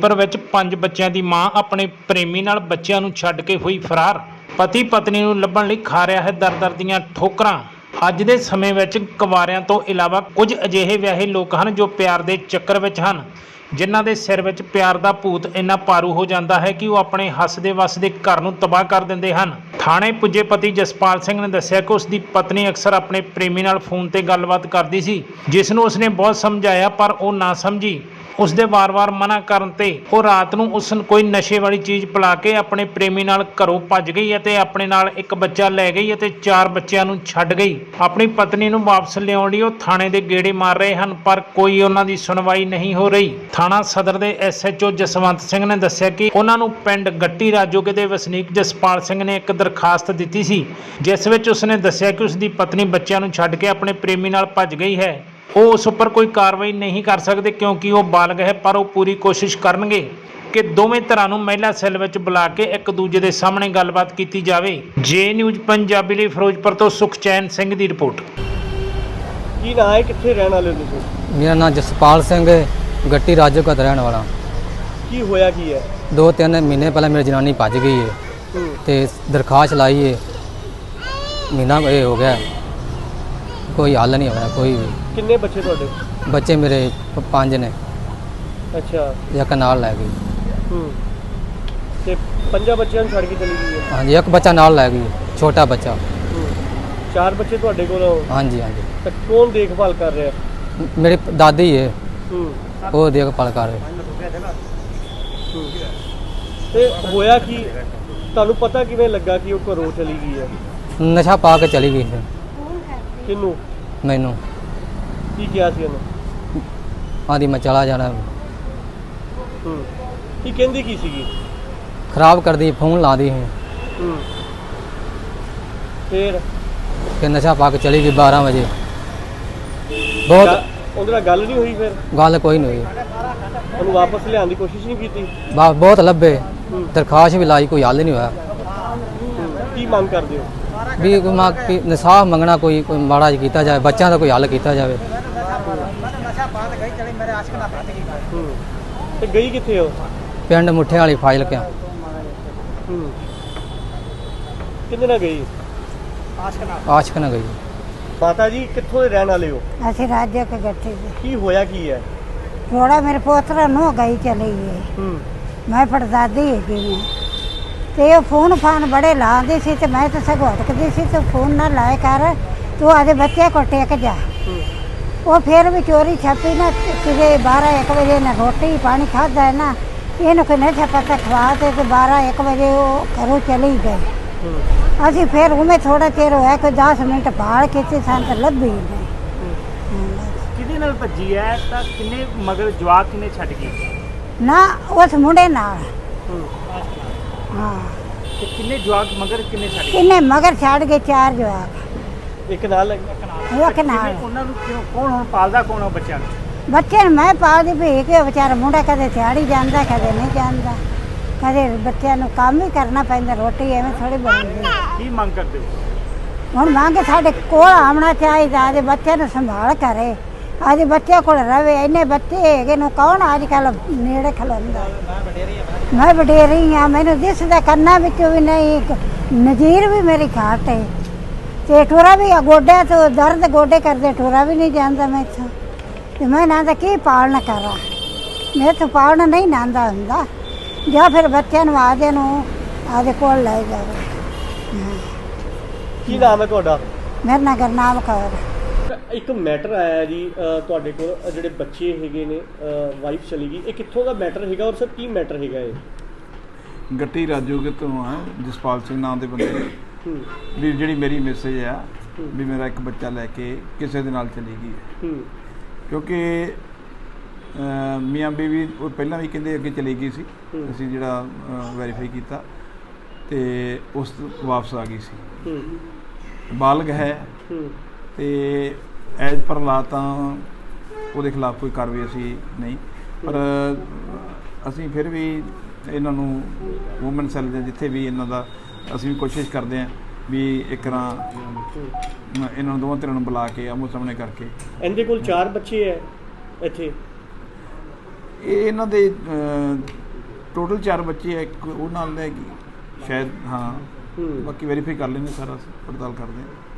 ਫਿਰੋਜ਼ਪੁਰ ਵਿੱਚ 5 ਬੱਚਿਆਂ ਦੀ ਮਾਂ ਆਪਣੇ ਪ੍ਰੇਮੀ ਨਾਲ ਬੱਚਿਆਂ ਨੂੰ ਛੱਡ ਕੇ ਹੋਈ ਫਰਾਰ। ਪਤੀ ਪਤਨੀ ਨੂੰ ਲੱਭਣ ਲਈ ਖਾ ਰਿਹਾ ਹੈ ਦਰ-ਦਰ ਦੀਆਂ ਠੋਕਰਾਂ। ਅੱਜ ਦੇ ਸਮੇਂ ਵਿੱਚ ਕੁਆਰਿਆਂ ਤੋਂ ਇਲਾਵਾ ਕੁਝ ਅਜਿਹੇ ਵਿਆਹੇ ਲੋਕ ਹਨ ਜੋ ਪਿਆਰ ਦੇ ਚੱਕਰ ਵਿੱਚ ਹਨ, ਜਿਨ੍ਹਾਂ ਦੇ ਸਿਰ ਵਿੱਚ ਪਿਆਰ ਦਾ ਭੂਤ ਇੰਨਾ ਭਾਰੂ ਹੋ ਜਾਂਦਾ ਹੈ ਕਿ ਉਹ ਆਪਣੇ ਹੱਸਦੇ ਵੱਸਦੇ ਘਰ ਨੂੰ ਤਬਾਹ ਕਰ ਦਿੰਦੇ ਹਨ। ਥਾਣੇ ਪੁੱਜੇ ਪਤੀ ਜਸਪਾਲ ਸਿੰਘ ਨੇ ਦੱਸਿਆ ਕਿ ਉਸ ਦੀ ਪਤਨੀ ਅਕਸਰ ਆਪਣੇ ਪ੍ਰੇਮੀ ਨਾਲ ਫੋਨ ਤੇ ਗੱਲਬਾਤ ਕਰਦੀ ਸੀ, ਜਿਸ ਨੂੰ ਉਸਨੇ ਬਹੁਤ ਸਮਝਾਇਆ ਪਰ ਉਹ ਨਾ ਸਮਝੀ। ਉਸ ਦੇ ਵਾਰ-ਵਾਰ ਮਨਾ ਕਰਨ ਤੇ ਉਹ ਰਾਤ ਨੂੰ ਉਸ ਨੂੰ ਕੋਈ ਨਸ਼ੇ ਵਾਲੀ ਚੀਜ਼ ਪਿਲਾ ਕੇ ਆਪਣੇ ਪ੍ਰੇਮੀ ਨਾਲ ਘਰੋਂ ਭੱਜ ਗਈ ਅਤੇ ਆਪਣੇ ਨਾਲ ਇੱਕ ਬੱਚਾ ਲੈ ਗਈ ਅਤੇ 4 ਬੱਚਿਆਂ ਨੂੰ ਛੱਡ ਗਈ। ਆਪਣੀ ਪਤਨੀ ਨੂੰ ਵਾਪਸ ਲਿਆਉਣ ਲਈ ਉਹ ਥਾਣੇ ਦੇ ਗੇੜੇ ਮਾਰ ਰਹੇ ਹਨ, ਪਰ ਕੋਈ ਉਹਨਾਂ ਦੀ ਸੁਣਵਾਈ ਨਹੀਂ ਹੋ ਰਹੀ। ਥਾਣਾ ਸਦਰ ਦੇ SHO ਜਸਵੰਤ ਸਿੰਘ ਨੇ ਦੱਸਿਆ ਕਿ ਉਹਨਾਂ ਨੂੰ ਪਿੰਡ ਗੱਟੀ ਰਾਜੋਗੇ ਦੇ ਵਸਨੀਕ ਜਸਪਾਲ ਸਿੰਘ ਨੇ ਇੱਕ ਦਰਖਾਸਤ ਦਿੱਤੀ ਸੀ, ਜਿਸ ਵਿੱਚ ਉਸਨੇ ਦੱਸਿਆ ਕਿ ਉਸ ਦੀ ਪਤਨੀ ਬੱਚਿਆਂ ਨੂੰ ਛੱਡ ਕੇ ਆਪਣੇ ਪ੍ਰੇਮੀ ਨਾਲ ਭੱਜ ਗਈ ਹੈ। ਉਹ ਉਸ ਉੱਪਰ ਕੋਈ ਕਾਰਵਾਈ ਨਹੀਂ ਕਰ ਸਕਦੇ ਕਿਉਂਕਿ ਉਹ ਬਾਲਗ ਹੈ, ਪਰ ਉਹ ਪੂਰੀ ਕੋਸ਼ਿਸ਼ ਕਰਨਗੇ ਕਿ ਦੋਵੇਂ ਧਿਰਾਂ ਨੂੰ ਮਹਿਲਾ ਸੈੱਲ ਵਿੱਚ ਬੁਲਾ ਕੇ ਇੱਕ ਦੂਜੇ ਦੇ ਸਾਹਮਣੇ ਗੱਲਬਾਤ ਕੀਤੀ ਜਾਵੇ। ਜੇ ਨਿਊਜ਼ ਪੰਜਾਬੀ ਲਈ ਫਿਰੋਜ਼ਪੁਰ ਤੋਂ ਸੁਖਚੈਨ ਸਿੰਘ ਦੀ ਰਿਪੋਰਟ। ਕੀ ਨਾਂ ਹੈ, ਕਿੱਥੇ ਰਹਿਣ ਵਾਲੇ ਹੋ ਤੁਸੀਂ? मेरा नाम जसपाल सिंह है, गट्टी राजो का रहने वाला। ਕੀ ਹੋਇਆ ਕੀ ਹੈ? 2-3 महीने पहले मेरी जनानी भज गई है तो दरखास्त लाई है, महीना ये हो गया, कोई हल नहीं होया कोई भी। ਕਿੰਨੇ ਬੱਚੇ ਤੁਹਾਡੇ? बच्चे मेरे 5 ने, ਅੱਛਾ। एक नाल लै गई। ਤੇ 5 ਬੱਚਿਆਂ ਨੂੰ ਛੱਡ ਕੇ ਚਲੀ ਗਈ ਹੈ? हाँ जी, एक बच्चा नाल लै गई, छोटा बच्चा। 4 ਬੱਚੇ ਤੁਹਾਡੇ ਕੋਲ? हाँ जी, हाँ जी। ਤਾਂ ਕੌਣ ਦੇਖਭਾਲ ਕਰ ਰਿਹਾ? मेरी दादी है, वो देखभाल कर रहे। ਤੇ ਹੋਇਆ ਕੀ, ਤੁਹਾਨੂੰ ਪਤਾ ਕਿਵੇਂ ਲੱਗਾ ਕਿ ਉਹ ਘਰੋਂ ਚਲੀ ਗਈ ਹੈ? नशा पा के चली गई है। ਕਿਹਨੂੰ? मैनू ਕੀ ਕਿਹਾ ਸੀ ਉਹਨੇ? आदि मैं चला जाना। ਕੀ ਕਹਿੰਦੀ ਕੀ ਸੀਗੀ? खराब कर दी, फोन ला दी है, ਫਿਰ फिर नशा पा के चली गई 12 बजे। बहुत ਉਹਦੇ ਨਾਲ ਗੱਲ ਨਹੀਂ ਹੋਈ? ਫਿਰ गल कोई नहीं हुई, ਉਹਨੂੰ ਵਾਪਸ ਲਿਆਉਣ ਦੀ ਕੋਸ਼ਿਸ਼ ਨਹੀਂ ਕੀਤੀ? बहुत लब्बे, दरखास्त भी लाई, कोई हल नहीं होया। ਕੀ ਮੰਗ ਕਰਦੇ ਹੋ? भी कोई इंसाफ मंगना, कोई माड़ा जिहा कीता जाए, बच्चों का कोई हल कीता जाए। ਤੇ ਗਈ ਕਿੱਥੇ ਹੋ? पिंड मुठे वाली फाइल क्या। ਕਿੰਨੇ ਨਾਲ ਗਈ? आशक न गई। ਮਾਤਾ ਜੀ ਕਿੱਥੋਂ ਦੇ ਰਹਿਣ ਵਾਲੇ ਹੋ? ਅਸੀਂ ਰਾਜੇ ਕੇ ਗੱਠੇ ਸੀ। ਕੀ ਹੋਇਆ ਕੀ ਹੈ? ਥੋੜਾ ਮੇਰੇ ਪੋਤਰਾ ਨੂੰ ਗਈ ਚਲੀ ਗਈ। ਮੈਂ ਪੜਦਾਦੀ ਹੈਗੀ ਮੈਂ ਤੇ ਉਹ ਫੋਨ ਫਾਨ ਬੜੇ ਲਾਉਂਦੇ ਸੀ ਤੇ ਮੈਂ ਤਾਂ ਸਗੋਂ ਹਟਕਦੀ ਸੀ ਤੇ ਫੋਨ ਨਾ ਲਾਏ ਕਰ, ਤੂੰ ਆਦੇ ਬੱਚੇ ਕੋ ਟੇਕ ਜਾ। ਉਹ ਫਿਰ ਵੀ ਚੋਰੀ ਛਾਪੀ ਨਾ ਕਿਤੇ 12-1 ਵਜੇ ਨਾ ਰੋਟੀ ਪਾਣੀ ਖਾਧਾ ਨਾ, ਇਹਨੂੰ ਕੋਈ ਨਸ਼ਾ ਪਤਾ ਖਵਾ ਤੇ 12-1 ਵਜੇ ਉਹ ਘਰੋਂ ਚਲੀ ਗਈ। ਅਸੀਂ ਫਿਰ ਉਵੇਂ ਥੋੜਾ ਚਿਰ ਹੋਇਆ ਕੋਈ 10 ਮਿੰਟ ਭਾਲ ਕੀਤੀ, ਸਾਨੂੰ ਤਾਂ ਲੱਭੀ ਨਹੀਂ। ਕਿਹਦੇ ਨਾਲ ਭੱਜੀ ਹੈ ਤਾਂ ਕਿੰਨੇ ਮਗਰ ਜਵਾਕ ਕਿੰਨੇ ਛੱਡ ਗਈ? ਨਾ ਉਸ ਮੁੰਡੇ ਨਾਲ। ਹਾਂ, ਤੇ ਕਿੰਨੇ ਜਵਾਕ ਮਗਰ ਕਿੰਨੇ ਛੱਡ ਗਈ? ਕਿੰਨੇ ਮਗਰ ਛੱਡ ਗਏ 4 ਜਵਾਕ। ਇੱਕ ਨਾਲ ਇੱਕ ਨਾਲ। ਉਹਨਾਂ ਨੂੰ ਕਿਉਂ, ਕੌਣ ਹੁਣ ਪਾਲਦਾ ਕੌਣ ਉਹ ਬੱਚਿਆਂ ਨੂੰ? ਬੱਚੇ ਨੂੰ ਮੈਂ ਪਾਲਦੀ ਪਈ ਕਿ ਵਿਚਾਰਾ ਮੁੰਡਾ ਕਦੇ ਦਿਹਾੜੀ ਜਾਂਦਾ ਕਦੇ ਨਹੀਂ ਜਾਂਦਾ, ਕਦੇ ਬੱਚਿਆਂ ਨੂੰ ਕੰਮ ਹੀ ਕਰਨਾ ਪੈਂਦਾ, ਰੋਟੀ ਐਵੇਂ ਥੋੜੀ ਬਣਦੀ। ਕੀ ਮੰਗ ਕਰਦੇ ਹੋ? ਹੁਣ ਮੰਗ ਸਾਡੇ ਕੋਲ ਆਉਣਾ ਚਾਹੀਦਾ, ਆਦੇ ਬੱਚਿਆਂ ਨੂੰ ਸੰਭਾਲ ਕਰੇ, ਆਦੇ ਬੱਚੇ ਕੋਲ ਰਵੇ। ਇੰਨੇ ਬੱਚੇ ਹੈਗੇ ਨੂੰ ਕੌਣ ਅੱਜ ਕੱਲ੍ਹ ਨੇੜੇ ਖਲੋਂਦਾ। ਮੈਂ ਵਡੇਰੀ ਹਾਂ, ਮੈਨੂੰ ਦਿਸਦਾ ਕੰਨਾਂ ਵਿੱਚੋਂ ਵੀ ਨਹੀਂ, ਨਜ਼ੀਰ ਵੀ ਮੇਰੀ ਘੱਟ ਹੈ ਤੇ ਟੋਰਾ ਵੀ ਗੋਡਿਆਂ ਤੋਂ ਦਰਦ, ਗੋਡੇ ਕਰਦੇ ਟੋਰਾ ਵੀ ਨਹੀਂ ਜਾਂਦਾ ਮੈਥੋਂ। ਤੇ ਮੈਂ ਨਾ ਤਾਂ ਕੀ ਪਾਲਣਾ ਕਰਾਂ, ਮੇਰੇ ਤੋਂ ਪਾਲਣਾ ਨਹੀਂ ਨਾਂਦਾ ਹੁੰਦਾ, ਜਾਂ ਫਿਰ ਬੱਚਿਆਂ ਨੂੰ ਆਦੇ ਕੋਲ ਲੈ ਜਾਵੇ। ਕੀ ਨਾਮ ਹੈ ਤੁਹਾਡਾ? ਮੇਰਾ ਨਾਂ ਗੁਰਨਾਮ ਕੌਰ। ਇੱਕ ਮੈਟਰ ਆਇਆ ਜੀ ਤੁਹਾਡੇ ਕੋਲ, ਜਿਹੜੇ ਬੱਚੇ ਹੈਗੇ ਨੇ, ਵਾਈਫ ਚਲੀ ਗਈ, ਇਹ ਕਿੱਥੋਂ ਦਾ ਮੈਟਰ ਹੈਗਾ ਔਰ ਸਰ ਕੀ ਮੈਟਰ ਹੈਗਾ ਇਹ? ਗੱਟੀ ਰਾਜੋਗੇ ਤੋਂ ਆ, ਜਸਪਾਲ ਸਿੰਘ ਨਾਮ ਦੇ ਬੰਦੇ ਨੇ ਵੀ ਜਿਹੜੀ ਮੇਰੀ ਮੈਸੇਜ ਆ ਵੀ ਮੇਰਾ ਇੱਕ ਬੱਚਾ ਲੈ ਕੇ ਕਿਸੇ ਦੇ ਨਾਲ ਚਲੀ ਗਈ ਹੈ। ਕਿਉਂਕਿ ਮੀਆਂ ਬੀਵੀ ਉਹ ਪਹਿਲਾਂ ਵੀ ਕਹਿੰਦੇ ਅੱਗੇ ਚਲੀ ਗਈ ਸੀ, ਅਸੀਂ ਜਿਹੜਾ ਵੈਰੀਫਾਈ ਕੀਤਾ ਤੇ ਉਸ ਤੋਂ ਵਾਪਸ ਆ ਗਈ ਸੀ। ਬਾਲਗ ਹੈ ਤੇ ਐਜ਼ ਪਰ ਲਾ ਤਾਂ ਉਹਦੇ ਖਿਲਾਫ ਕੋਈ ਕਾਰਵਾਈ ਅਸੀਂ ਨਹੀਂ, ਪਰ ਅਸੀਂ ਫਿਰ ਵੀ ਇਹਨਾਂ ਨੂੰ ਵੂਮਨ ਸੈੱਲ ਦੇ ਜਿੱਥੇ ਵੀ ਇਹਨਾਂ ਦਾ ਅਸੀਂ ਵੀ ਕੋਸ਼ਿਸ਼ ਕਰਦੇ ਹਾਂ ਵੀ ਇੱਕ ਤਰ੍ਹਾਂ ਇਹਨਾਂ ਨੂੰ ਦੋਵਾਂ ਧਿਰਾਂ ਨੂੰ ਬੁਲਾ ਕੇ ਆਮੋ ਸਾਹਮਣੇ ਕਰਕੇ। ਇਹਦੇ ਕੋਲ 4 ਬੱਚੇ ਹੈ ਇੱਥੇ? ਇਹ ਇਹਨਾਂ ਦੇ ਟੋਟਲ 4 ਬੱਚੇ ਆ, ਇੱਕ ਉਹ ਨਾਲ ਲੈ ਗਈ ਸ਼ਾਇਦ, ਹਾਂ ਬਾਕੀ ਵੈਰੀਫਾਈ ਕਰ ਲੈਂਦੇ, ਸਾਰਾ ਪੜਤਾਲ ਕਰਦੇ ਹਾਂ।